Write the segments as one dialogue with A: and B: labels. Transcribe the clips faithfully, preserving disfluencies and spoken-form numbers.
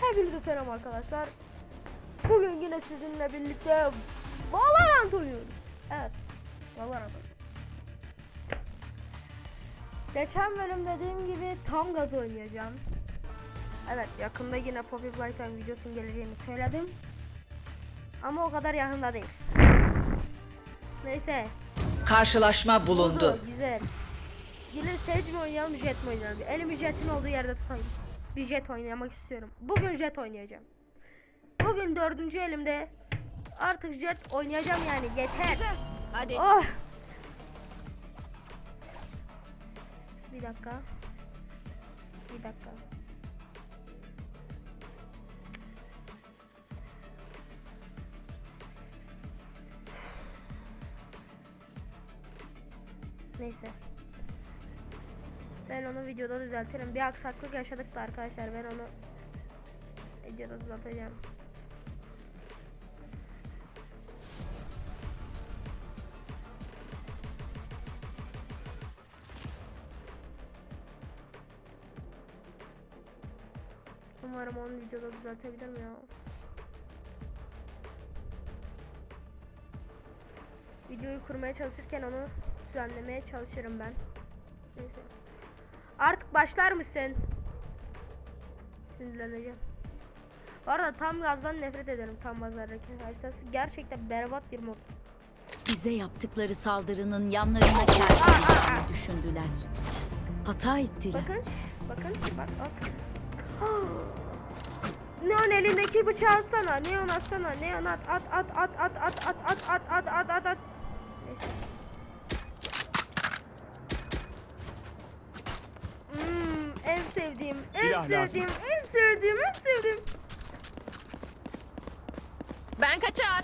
A: Hepinize selam arkadaşlar. Bugün yine sizinle birlikte Valorant oynuyoruz. Evet, Valorant oynuyoruz. Geçen bölüm dediğim gibi tam gaz oynayacağım. Evet, yakında yine Poppy Playtime videosunun geleceğini söyledim. Ama o kadar yakında değil. Neyse.
B: Karşılaşma bulundu.
A: Oldu, güzel. Yine Sage mi oynayalım, Jet mi oynayalım? Elimi Jet'in olduğu yerde tutayım. Bir Jet oynamak istiyorum. Bugün Jet oynayacağım. Bugün dördüncü elimde. Artık Jet oynayacağım yani. Yeter.
B: Hadi.
A: Oh. Bir dakika. Bir dakika. Neyse. Ben onu videoda düzeltirim. Bir aksaklık yaşadık da arkadaşlar. Ben onu videoda düzelteceğim. Umarım onu videoda düzeltebilirim ya. Videoyu kurmaya çalışırken onu düzenlemeye çalışırım ben. Neyse. Artık başlar mısın? Sinirleneceğim. Bu arada tam gazdan nefret ederim, tam gaz hareket haritası. Gerçekten berbat bir mod.
B: Bize yaptıkları saldırının yanlarına geldiğini düşündüler. Hata ettiler.
A: Bakın, bakın, bak, bak. Neon elindeki bıçağı atsana, Neon atsana, Neon at, at, at, at, at, at, at, at, at, at, at, at, at. Neyse. Hmm, en sevdiğim, en
C: Silah
A: sevdiğim,
C: lazım.
A: en sevdiğim, en sevdiğim.
B: Ben kaçar.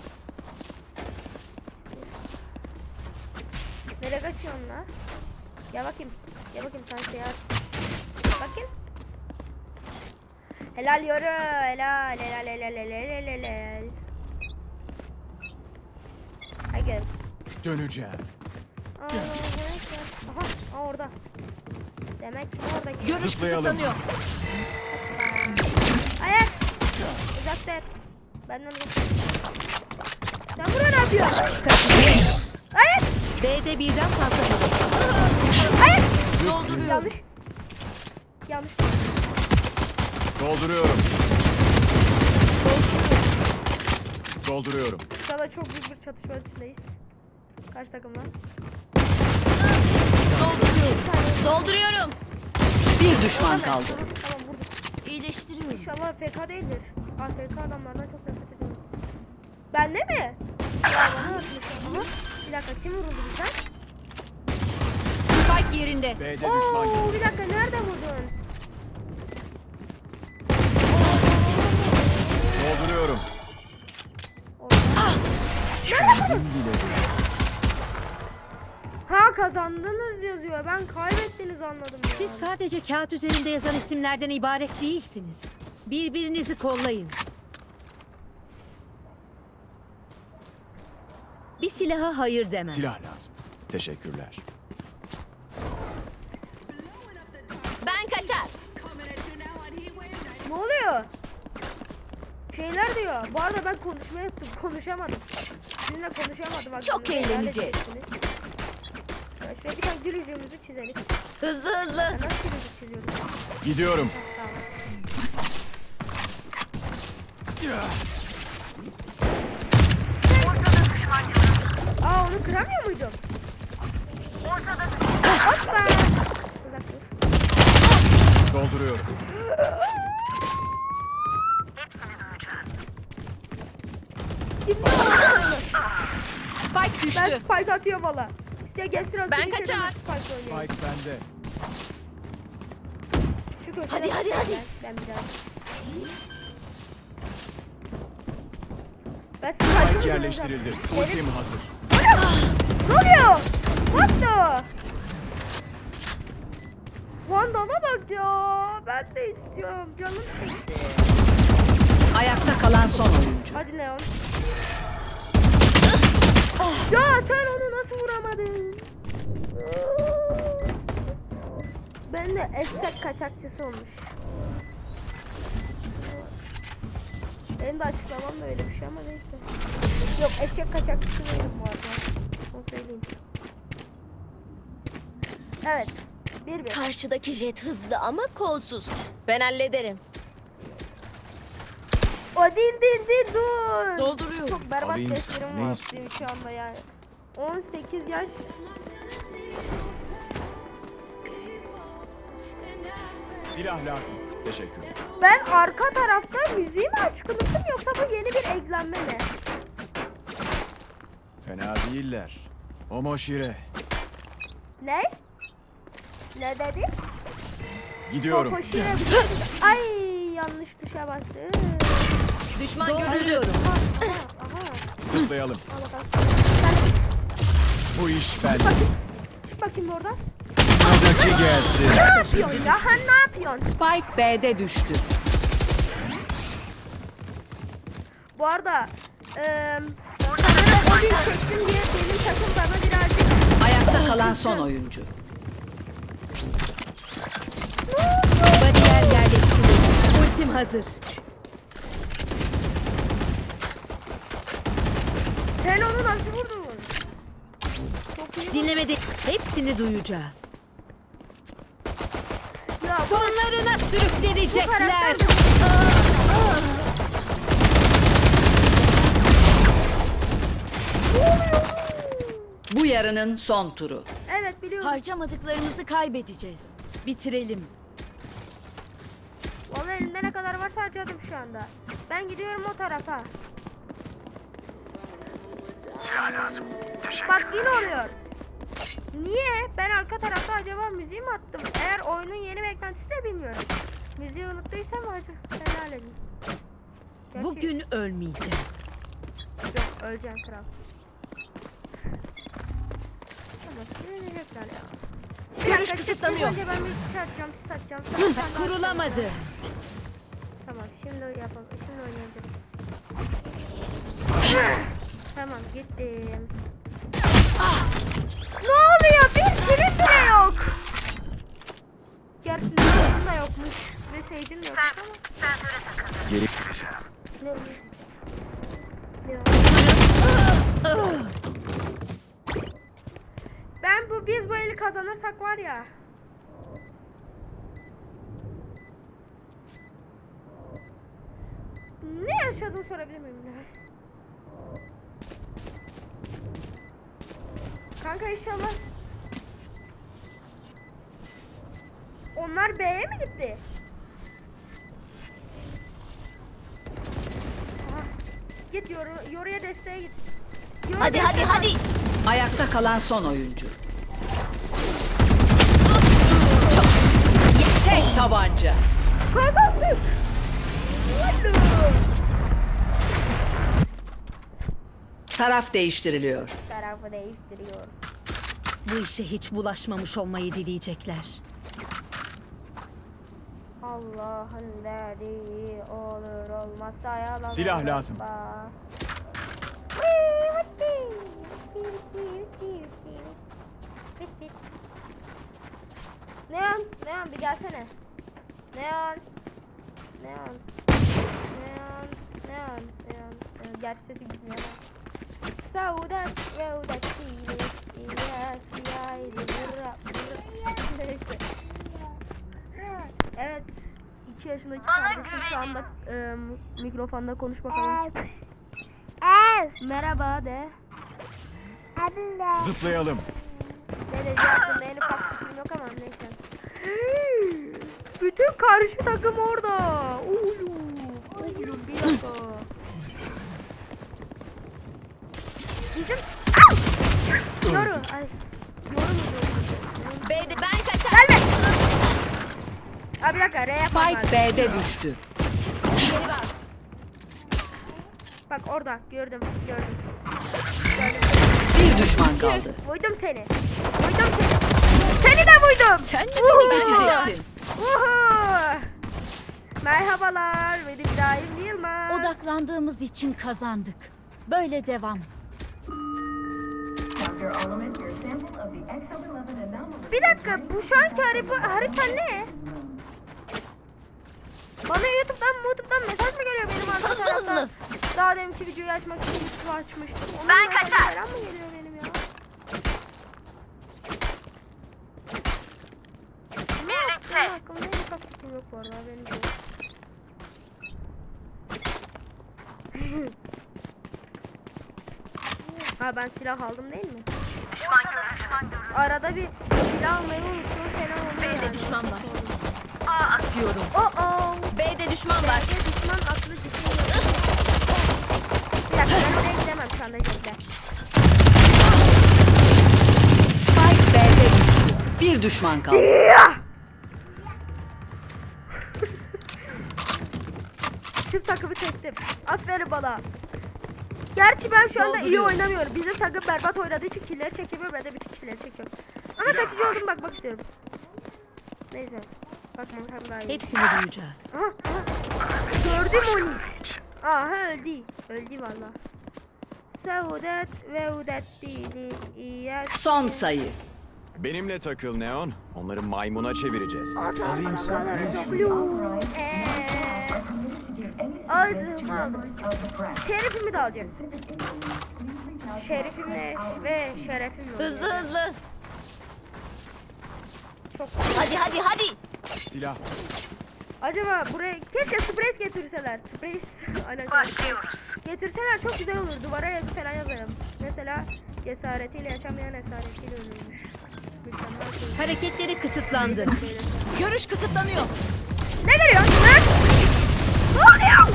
A: Nereye kaçıyorsun lan? Gel bakayım, gel bakayım sen şey at. Bakayım. Helal yoru, helal, helal, helal, helal, helal, helal. Hadi gel.
C: Döneceğim.
A: Aa, aha, aa, orada. Demek ki orada.
B: Görüş
C: Zıplayalım.
B: kısıtlanıyor.
A: Ayak. Uzak der. Benden uzak. Sen buraya ne yapıyorsun? Ayak.
B: B'de birden fazla hedef.
A: Ayak.
B: Dolduruyorum.
A: Yanlış. Yanlış.
C: Dolduruyorum. Dolduruyorum.
A: Şu anda çok büyük bir çatışma içindeyiz. Kaç takım var?
B: Dolduruyorum. Dolduruyorum. Bir düşman
A: Tamam,
B: kaldı.
A: Tamam, tamam vurdum.
B: İyileştiriyorum.
A: İnşallah F K değildir. A F K adamlardan çok nefret ediyorum. Bende mi? Ya bana atmış. Aha. Bir dakika, kim vuruldu bizden?
B: Spike yerinde.
C: B'de düşman
A: Oo,
C: gibi.
A: bir dakika, nerede vurdun?
C: Dolduruyorum.
A: Orada.
C: Kendim biledim.
A: Ha, kazandınız yazıyor. Ben kaybettiniz anladım ya.
D: Siz sadece kağıt üzerinde yazan isimlerden ibaret değilsiniz. Birbirinizi kollayın. Bir silaha hayır demem.
C: Silah lazım. Teşekkürler.
B: Ben kaçar.
A: Ne oluyor? Şeyler diyor. Bu arada ben konuşmayı unuttum. Konuşamadım. Sizinle konuşamadım.
B: Çok
A: Hakkında helal
B: eğleneceğiz.
A: edeceksiniz. Ya şöyle bir tane gül yüzümüzü çizelim.
B: Hızlı hızlı.
A: Ya nasıl gül yüzü çiziyoruz?
C: Gidiyorum.
A: Tamam. Aa, onu kıramıyor muydum? Hoppa. Uzak dur.
C: Dolduruyorum.
B: Spike düştü.
A: Ben spike atıyorum valla. İşte gelsin o
B: Ben
A: sürü
B: kaçar.
A: çözümlü Spike oynayayım.
C: Spike bende.
A: Şu köşede
B: Hadi, hadi,
A: tutayım
B: hadi.
A: Ben, ben biraz. Ben Spike'ı
C: Spike yerleştirildi. Ultim hazır.
A: Ne oluyor? What the? Vandal'a bak ya. Ben de istiyorum. Canım çekti.
B: Ayakta kalan son oyuncu.
A: Hadi Neon. Ya sen onu nasıl vuramadın? Ben de eşek kaçakçısı olmuş. Benim de açıklamam da öyle bir şey ama neyse. Yok, eşek kaçakçısı değilim bu arada. Onu söyleyeyim. Evet. Bir bir.
B: Karşıdaki jet hızlı ama kolsuz. Ben hallederim.
A: O değil değil değil dur.
B: Dolduruyorum.
A: Çok berbat
C: Alayım
A: testlerim
C: sana, ne
A: var
C: istiyorsun?
A: benim şu anda yani. on sekiz yaş.
C: Silah lazım. Teşekkürler.
A: Ben arka tarafta müziği mi açık unuttum yoksa bu yeni bir eklenme mi?
C: Fena değiller. Omoşire.
A: Ne? Ne dedi?
C: Gidiyorum.
A: Koşuyor. Ay yanlış tuşa bastı.
B: Düşman görüldü.
D: Dolduruyorum.
A: Aha, aha.
C: Zıplayalım.
A: Al bakalım. Sen
C: Bu iş bende.
A: çık bakayım oradan.
C: Sıradaki gelsin.
A: Ne yapıyorsun ya? Ha, ne yapıyorsun?
B: Spike B'de düştü.
A: Bu arada eee sanırım o gün çektim diye benim takım bana birazcık
B: Ayakta kalan son oyuncu.
D: Bariyer yerleştirildi. Ultim hazır.
A: sen onu nasıl vurdun? Çok iyi.
D: Dinlemede hepsini duyacağız.
A: Ya bu
D: Sonlarına
A: bu
D: sürüklenecekler.
A: karakter
B: Bu yarının son turu.
A: Evet biliyorum.
E: Harcamadıklarımızı kaybedeceğiz. Bitirelim.
A: Vallahi elimde ne kadar varsa harcadım şu anda. Ben gidiyorum o tarafa. Bak yine oluyor. Niye? Ben arka tarafta acaba müziği mi attım? Eğer oyunun yeni beklentisi de bilmiyorum. Müziği unuttuysam acaba helal edin. Gerçi-
D: Bugün ölmeyeceğim.
A: Yok, öleceğim kral. Ama sinirlenecekler ya. Bir
B: Görüş
A: dakika,
B: kısıtlanıyor.
A: Önce ben bir sis atacağım, sis atacağım. Sonra sen daha-
D: Kurulamadı.
A: Tamam, şimdi yapalım. Şimdi oynayabiliriz. Tamam, gittim. Ne oluyor? Bir kilit bile yok. Gerçi Naruto'nun da yokmuş. Ve Sage'in de yokmuş ama.
C: Geri.
A: Ne oluyor? Ya. Ben bu biz bu eli kazanırsak var ya. Ne yaşadığını sorabilir miyim ya? Kanka inşallah. Onlar B'ye mi gitti? Aha. Git yoru, yoruya desteğe git. Yoru
B: Hadi hadi
A: desteğe-
B: hadi. Ayakta kalan son oyuncu. Tek tabanca.
A: Kazandık. Hadi.
B: Taraf değiştiriliyor.
A: Tarafı değiştiriyor.
D: Bu işe hiç bulaşmamış olmayı dileyecekler.
A: Allah'ın dediği olur olmazsa yalan
C: Silah
A: olur.
C: lazım.
A: Ba- Neon, Neon bir gelsene. Neon. Neon. Neon. Neon. Neon. Neon. Gerçi sesi gitmiyor. Saudat, yaudat, siyah, siyah, siyah, vırra, vırra. Neyse. Evet. iki yaşındaki kardeşim şu anda e, mikrofonda konuş bakalım. Merhaba de.
C: Zıplayalım.
A: Ne diyeceğim hakkında en ufak fikrim yok ama neyse. Bütün karşı takım orada. Oğlum. Oğlum bir dakika. Bizim... Yoru. Ay. Yoru mu diyorsun?
B: B'de ben kaçar.
A: Gelme. Abi bir dakika. R yapmam
B: Spike
A: lazım.
B: B'de düştü. Geri bas.
A: Bak orada. Gördüm. Gördüm. Gördüm.
B: Bir düşman kaldı.
A: Vurdum seni. Vurdum seni. Seni de vurdum.
B: Sen de beni
A: Uhu.
B: geçecektin.
A: Uhu. Merhabalar. Ben İbrahim Yılmaz.
E: Odaklandığımız için kazandık. Böyle devam.
A: Bir dakika. Bu şu anki harita, harita ne? Bana YouTube'dan YouTube'dan mesaj mı geliyor benim arka
B: Hızlı
A: tarafta?
B: hızlı.
A: deminki videoyu açmak için YouTube açmıştım. Ben kaçar. Selam mı geliyor benim ya? Birlikte. Hakkımda en ufak fikrim yok bu arada. Benim yok. Ha ben silah aldım değil mi? Düşman görüldü, düşman görüldü. Arada bir silah almayı unuttum falan oluyor.
B: B'de
A: yani.
B: düşman var. A atıyorum.
A: Oh oh.
B: B'de düşman var.
A: B'de düşman aklı düşünüyor. Bir dakika ben oraya gidemem şu anda Jet'le.
F: Spike B'de düştü. Bir düşman kaldı.
A: Tüm takımı çektim. Aferin bana. Gerçi ben şu anda iyi
B: Dolduruyorum.
A: oynamıyorum. Bizim takım berbat oynadığı için killleri çekemiyor. Ben de bütün killleri çekiyorum. Ama kaçıncı oldum bakmak istiyorum. Neyse. Bakmam hem daha iyi.
F: Hepsini duyacağız.
A: Aha, aha. Gördüm onu. Aha öldü. Öldü valla. Saudet ve udet dili iyet.
F: Son sayı.
C: Benimle takıl Neon. Onları maymuna çevireceğiz.
A: Alayım sana. Eee. Aldım aldım. Şerifimi de alacağım. Şerifimle ve şerefimle.
B: Hızlı hızlı.
A: Çok.
B: Hadi hadi hadi.
C: Silah.
A: Acaba buraya keşke sprays getirseler. Sprays. Başlıyoruz. Getirseler çok güzel olur. Duvara yazı falan yazarım. Mesela cesaretiyle yaşamayan esaretiyle ölürmüş. Mükemmel şey.
D: Hareketleri kısıtlandı.
B: Görüş kısıtlanıyor.
A: Ne geliyor? Ne? Ne oluyor?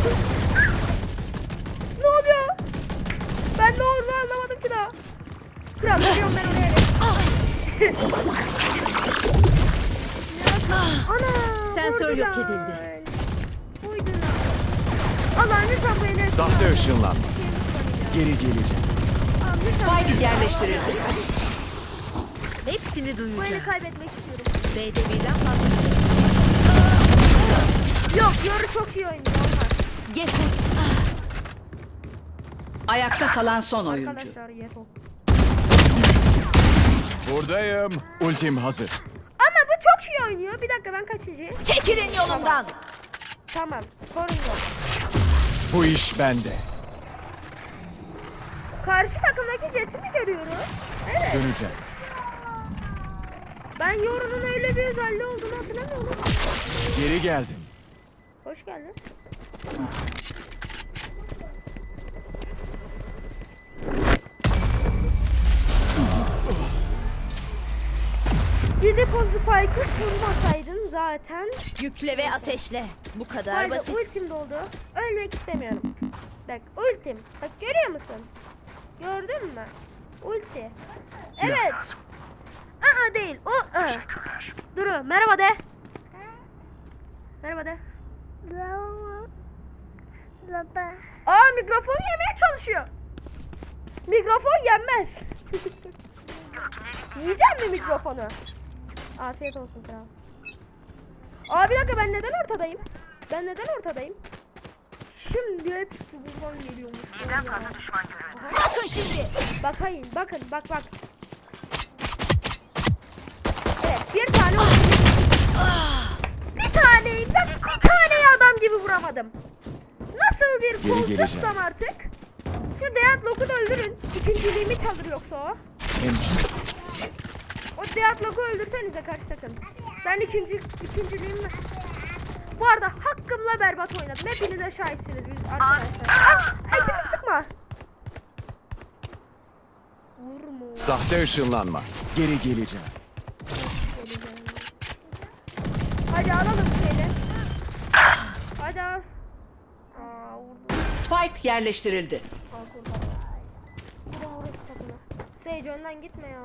A: Ne oluyor? Ben ne olduğunu anlamadım ki daha. Kral geliyorum ben oraya. Ana.
D: Sensör yok
A: vurdular.
D: edildi.
A: Uydular. Allah'ım lütfen bu enerji.
C: Sahte ışınlanma. Geri geleceğim.
F: Spike yerleştirildi.
D: Hepsini
A: Bu eli
D: duyacağız.
A: kaybetmek istiyorum.
D: B'de birden fazla.
A: Yok, Yoru çok iyi oynuyor. Olmaz.
F: Getir. Ayakta kalan son oyuncu.
A: Arkadaşlar Yeto.
C: Buradayım. Ultim hazır.
A: Ama bu çok iyi oynuyor. Bir dakika ben kaçıncı?
B: Çekilin yolumdan.
A: Tamam. Sorun yok.
C: Bu iş bende.
A: Karşı takımdaki Jet'i mi görüyoruz? Evet.
C: Döneceğim.
A: Ben Yoru'nun öyle bir özelliği olduğunu hatırlamıyorum.
C: Geri geldim.
A: Hoş geldin. Gidip o spike'ı kurmasaydın zaten.
B: Yükle ve ateşle. Bu kadar
A: Haydi
B: basit.
A: ultim doldu. Ölmek istemiyorum. Bak ultim. Bak görüyor musun? Gördün mü? Ulti.
C: Silah
A: Evet.
C: lazım.
A: Aa değil. O ı. Duru merhaba de. Merhaba de. Aa mikrofon yemeye çalışıyor. Mikrofon yenmez. Yiyecek mi mikrofonu? Afiyet olsun kral. Aa bir dakika ben neden ortadayım? Ben neden ortadayım? Şimdi hepsi buradan geliyormuş. Birden fazla düşman görüldü.
B: Bakın şimdi.
A: Bakayım bakın bak bak. Evet bir tane Bir taneyi ben bir taneyi adam gibi vuramadım. Nasıl bir
C: Geri geleceğim.
A: koltuksam artık. Şu Deadlock'u da öldürün. İkinciliğimi çalır yoksa o.
C: Hemşire.
A: O Deadlock'u öldürsenize karşı takım. Ben ikinci ikinciliğimi... Bu arada hakkımla berbat oynadım. Hepinize şahitsiniz biz arkadaşlar. Ah! Etimi sıkma. Vurma.
C: Sahte ışınlanma. Geri geleceğim.
A: Hadi alalım seni. Hadi al. Aa vurdum.
F: Spike yerleştirildi.
A: Al kurban. Bir de vururuz takımı. Sage önden gitme ya.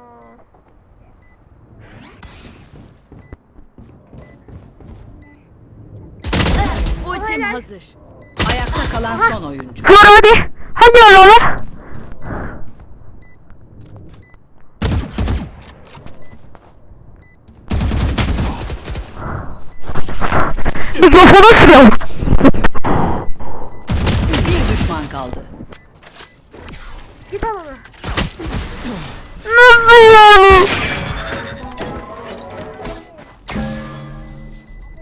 B: Ultim
A: Helal.
B: hazır.
F: Ayakta kalan son oyuncu.
A: Vur hadi. Hadi oğlum. Mikrofonu sıkıyorum.
F: Bir düşman kaldı.
A: Git al onu. Nasıl yani?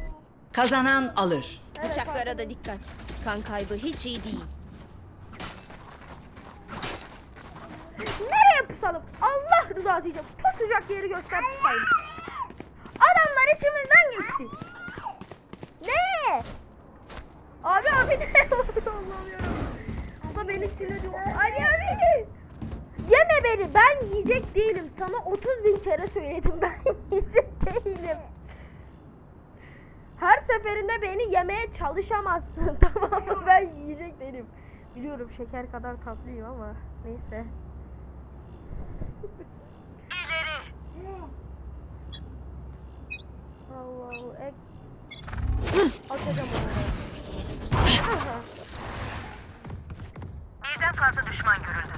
F: Kazanan alır.
B: Bıçaklara da dikkat. Kan kaybı hiç iyi değil.
A: Nereye pusalım? Allah rızası için pusacak yeri göster pusayım. Adamlar içimizden geçti. Ne? Abi abi ne? Allah'ım yarabbim. Bu da beni sinirliyor. Abi abi. Yeme beni. Ben yiyecek değilim. Sana otuz bin kere söyledim. Ben yiyecek değilim. Her seferinde beni yemeye çalışamazsın. Tamam mı? Ben yiyecek değilim. Biliyorum şeker kadar tatlıyım ama neyse. Allahu ek. Atacağım onu. Aha.
G: Birden fazla düşman görüldü.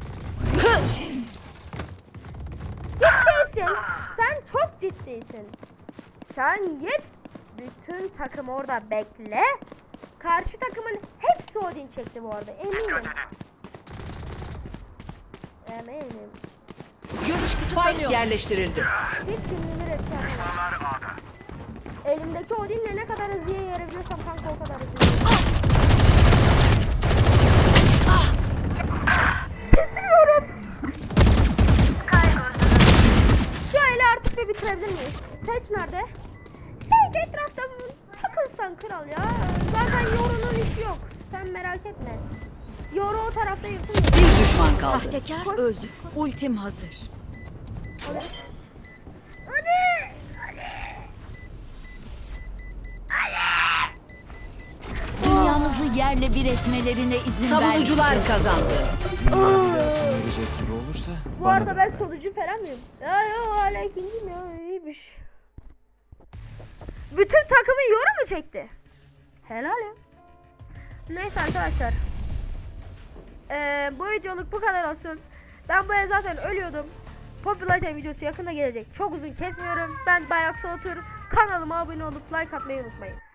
A: Ciddisin. Sen çok ciddisin. Sen git. Bütün takım orada bekle. Karşı takımın hepsi Odin çekti bu arada. Eminim. Eminim.
F: Görüş kısıtlanıyor. Yerleştirildi.
A: Hiç kimliğimi resmen. Elimdeki Odin'le ne kadar hızlı yarabiliyorsam kanka o kadar hızlı. Titriyorum. Şu eli artık bir bitirebilir miyiz? Seç nerede? Seç etrafta takılsan kral ya. Zaten Yoru'nun işi yok. Sen merak etme. Yoru o tarafta yırtılıyor.
F: Bir düşman kaldı.
E: Sahtekar
A: Koş.
E: öldü. Ultim hazır.
A: Hadi. Hadi.
E: Dünyamızı yerle bir etmelerine izin
F: Savunucular
E: vermeyeceğiz.
F: kazandı.
C: Dünya bir daha sona erecek gibi olursa
A: Bu
C: bana
A: arada
C: da.
A: ben solucu falan mıyım? Ya yo hala ikinciyim ya iyiymiş. Bütün takımı Yoru mu çekti? Helal ya. Neyse arkadaşlar. Ee, bu videoluk bu kadar olsun. Ben bu el zaten ölüyordum. Popular Time videosu yakında gelecek. Çok uzun kesmiyorum. Ben Bayaksı Otur. Kanalıma abone olup like atmayı unutmayın.